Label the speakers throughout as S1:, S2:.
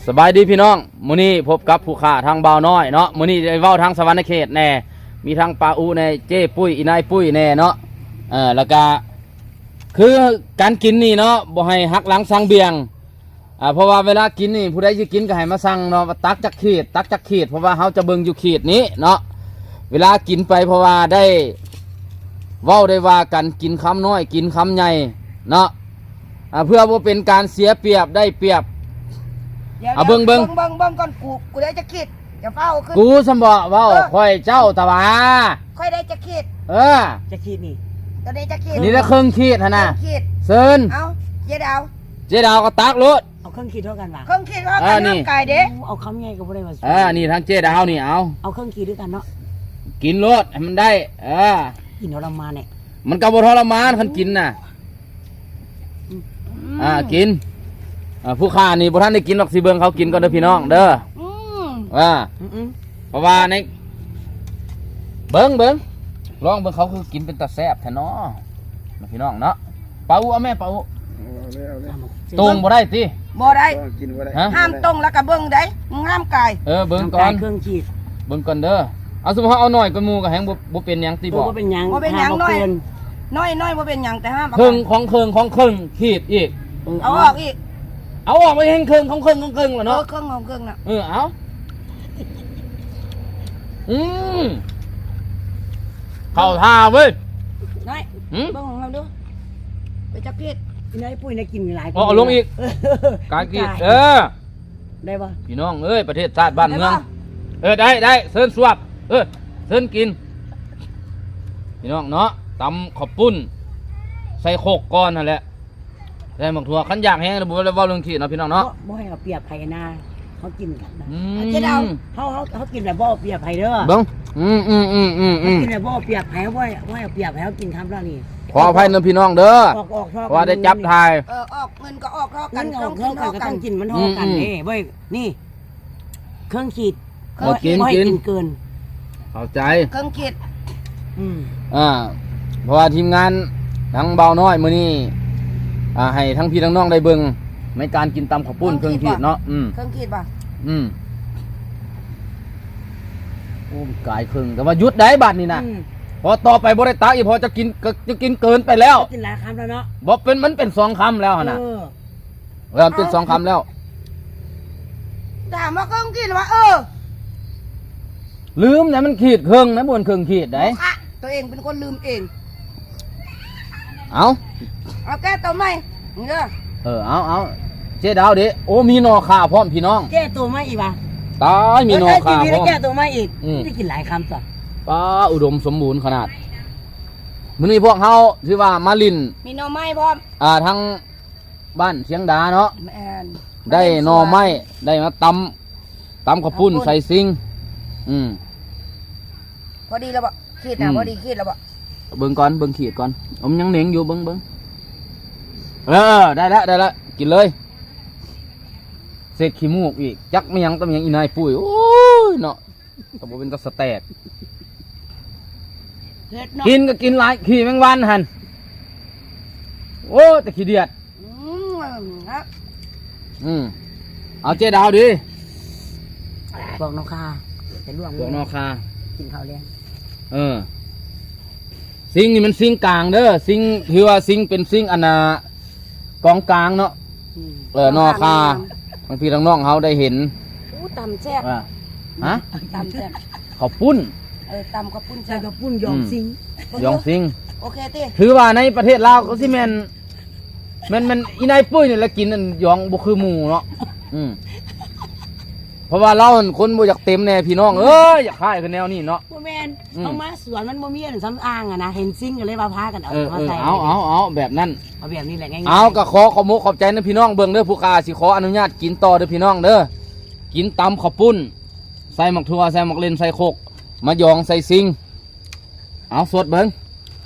S1: สบายดีพี่น้องมื้อนี้พบกับผู้ค้าทางบ่าวน้อยเนาะมื้อนี้ได้เว้าทางสวรรค์เขตแน่มีทางปาอูในเจ้ปุ้ยอีนายปุ้ยแน่เนาะแล้วก็คือการกินนี่เนาะบ่ให้หักหลังสั่งเบียงเพราะว่าเวลากินนี่ผู้ใดสิกินก็ให้มาสั่งเนาะตักจักขีดตักจักขีดเพราะว่าเฮาจะเบิ่งอยู่ขีดนี้เนาะเวลากินไปเพราะว่าได้เว้าได้ว่ากันกินคำน้อยกินคำใหญ่เนาะเพื่อบ่เป็นการเสียเปรียบได้เปรียบเบิ่ง
S2: ก่อนกูได้จะคิดอย่าเฝ้าขึ้น
S1: กูสมบ่เว้าค่อยเจ้าตะวา
S2: ค่อยได้จะคิด
S3: จะคิดนี่
S2: ตอนนี้จะคิด
S1: นี่ละครึ่งขีดหั่นน่ะเซิน
S2: เอาเจ๊ดาว
S1: ก็ตักรถ
S3: เอาเครื่องคิดเท่ากันว่ะ
S2: เครื่องคิดว่ากันน้ำไก่เด้
S3: เอาคำใหญ่ก็บ่ได้ว่า
S1: นี่ทางเจ๊ดาวนี่
S3: เอาเครื่องคิดด้วยกันเนาะ
S1: กินรถให้มันได้
S3: กินทรมานเนี่ย
S1: มันก็บ่ทรมานคันกินน่ะกินผู้ค้านี่บ่ทันได้กินหรอกสิเบิ่งเขากินก่อนเด้อพี่น้องเด้อเพราะว่าในเบิ่งลองเบิ่งเขาคือกินเป็นตาแซ่บแท้เนาะพี่น้องเนาะเปาเอาแม่เปาตรงบ่ได้ติ
S2: บ่ได้ห้ามตรงแล้วก็เบิ่งได้ห้ามไก่
S1: เบิ่งก่อน
S3: เครื่องคิด
S1: เบิ่งก่อนเด้อเอาสมมุติเอาหน่อยกว่าหมู่ก็แฮงบ่เป็นหยังติบ่
S3: บ่เป็นหยัง
S2: น้อยบ่เป็นหยังแต่ห้าม
S1: เครื่องของขีดอีก
S2: เอาออกอีก
S1: เอาออกไปเห็นเครื่องของเครื่องแล้วเนาะ
S2: เครื่องของเครื่องน่ะ
S1: เอาเข้าท่าเว้ย
S2: น้อยเบิ่งของเราดูไปจับเพชร
S3: นายปุ้ยนายกินหลาย
S1: เอาลงอีกการกิน
S3: ได้ป่ะ
S1: พี่น้องเอ้ยประเทศชาติบ้านเมืองได้เซิร์นสวบเซิร์นกินพี่น้องเนาะตำขอบปุ้นใส่โคกก้อนนั่นแหละใส่หมกถั่วขันอยากแห้งระบุว่าเรื่องขีดเนาะพี่น้องเนาะ
S3: บ่ให้เอาเปรียบไผ่นาเขากินกันนะเจ๊ดาวเขากินแบบบ่เปรียบไผ่เด้อ
S1: เบิ้ง
S3: กินแบบบ่เปรียบไผ่ว่าเอาเปรียบไผ่เขากินคำแล้วนี่
S1: ขออภัยนะพี่น้องเด้อว่าได้จับทาย
S2: ออกเงินก็ออกเท่ากัน
S3: ก็ต้องกินมันเท่ากันนี่เว้ยนี่เครื่องขีด
S1: กิน
S3: เกิน
S1: เข้าใจ
S2: เครื่องขีด
S1: เพราะว่าทีมงานทั้งเบาน้อยมื้อนี้ให้ทั้งพี่ทั้งน้องได้เบิ่งในการกินตำข้าวปุ้นเครื่องขีดเนาะ
S2: เครื่องขีดป่ะ
S1: โอ้กายครึ่งแต่ว่ายุดได้บัดนี่นะพอต่อไปบ่ได้ตักอีกพอจะกินเกินไปแล้ว
S3: กินหลายคำแล้วเนาะ
S1: บ่มันเป็น2 คำแล้วนะมันเป็น2 คำแล้ว
S2: ถามว่าเครื่องขีดว่า
S1: ลืมนะมันขีดเครื่องนะบนเครื่องขีดได้
S2: ตัวเองเป็นคนลืมเอง
S1: เอา
S2: แก้ตัวไหมนี่เด้อ
S1: เอาเจ๊ดาวเด้โอ้มีนอข่าพร้อมพี่น้อง
S3: แก้ตัวไหมอีกป่ะ
S1: ตายมีนอข่าพร้อม
S3: แก้ตัวไหมอีกได้กินหลายคำจ้ะ
S1: ป้าอุดมสมบูรณ์ขนาดมื้อนี้พวกเฮาชื่อว่ามาลิน
S2: มีนอไม้พร้อม
S1: ทั้งบ้านเชียงดาเนาะได้นอไม้ได้มาตำข้าวปุ้นใส่ซิง
S2: พอดีแล้วบ่ขีดนะพอดีขีดแล้วบ่
S1: เบิ่งก่อนเบิ่งขีดก่อนผมยังเหนียงอยู่เบิ่งได้แล้วกินเลยเศษขี้มูกอีกจักไม่ยังต้องยังอีนายปุ้ยโอ้ยเนาะแต่บ่เป็นตะสแตกกินก็กินหลายขี้แมงวันหันโอ้แต่ขี้เดียดเอาเจ๊ดาวดิ
S3: บอกนอคาจะล่วง
S1: บอกนอคา
S3: กินข้าวเลี้ยง
S1: ซิงนี่มันซิงกลางเด้อซิงคือว่าซิงเป็นซิงอันน่ะกองกลางเนาะนอคาบางทีน้องๆเขาได้เห็น
S2: ตำแซ่บตำแซ่บ
S1: ข้าวปุ้น
S2: ตำข้าวปุ้น
S3: ใส่ข้าวปุ้นยองซิ
S1: ง
S2: โอเคติ
S1: ถือว่าในประเทศลาวก็สิแม่นอีนายปุ้ยนี่ละกินอันยองบ่คือหมู่เนาะเพราะว่าเราคนบ่อยากเต็มแน่พี่น้องอยากขายคือแนวนี้เนาะ
S3: บ่แม่นเอามาสวนมันบ่มีอันซ้ำอ้างนะเห็นซิงก็เลยว่าพากันเอาใส่
S1: เอาแบบนั้น
S3: เอาแบบนี้แหละง่าย
S1: ๆเอาก็ขอมุกขอบใจนะพี่น้องเบิ่งเด้อผู้ค้าสิขออนุญาตกินต่อเด้อพี่น้องเด้อกินตำข้าวปุ้นใส่หมักถั่วใส่หมักเลนใส่โคกมะยองใส่ซิงเอาสดเบิ่ง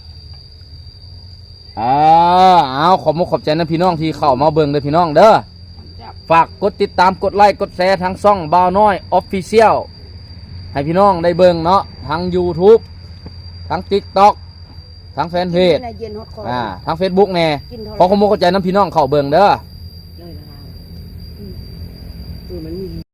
S1: เอาขอมุกขอบใจนะพี่น้องที่เข้ามาเบิ่งเด้อพี่น้องเด้อฝากกดติดตามกดไลค์กดแชร์ทางช่องบ่าวน้อย Official ให้พี่น้องได้เบิ่งเนาะทาง YouTube ทาง TikTok ทางแฟนเพจทาง Facebook แน่ขอขอบคุณเข้าใจน้ำพี่น้องเข้าเบิ่งเด้อ
S3: มันมี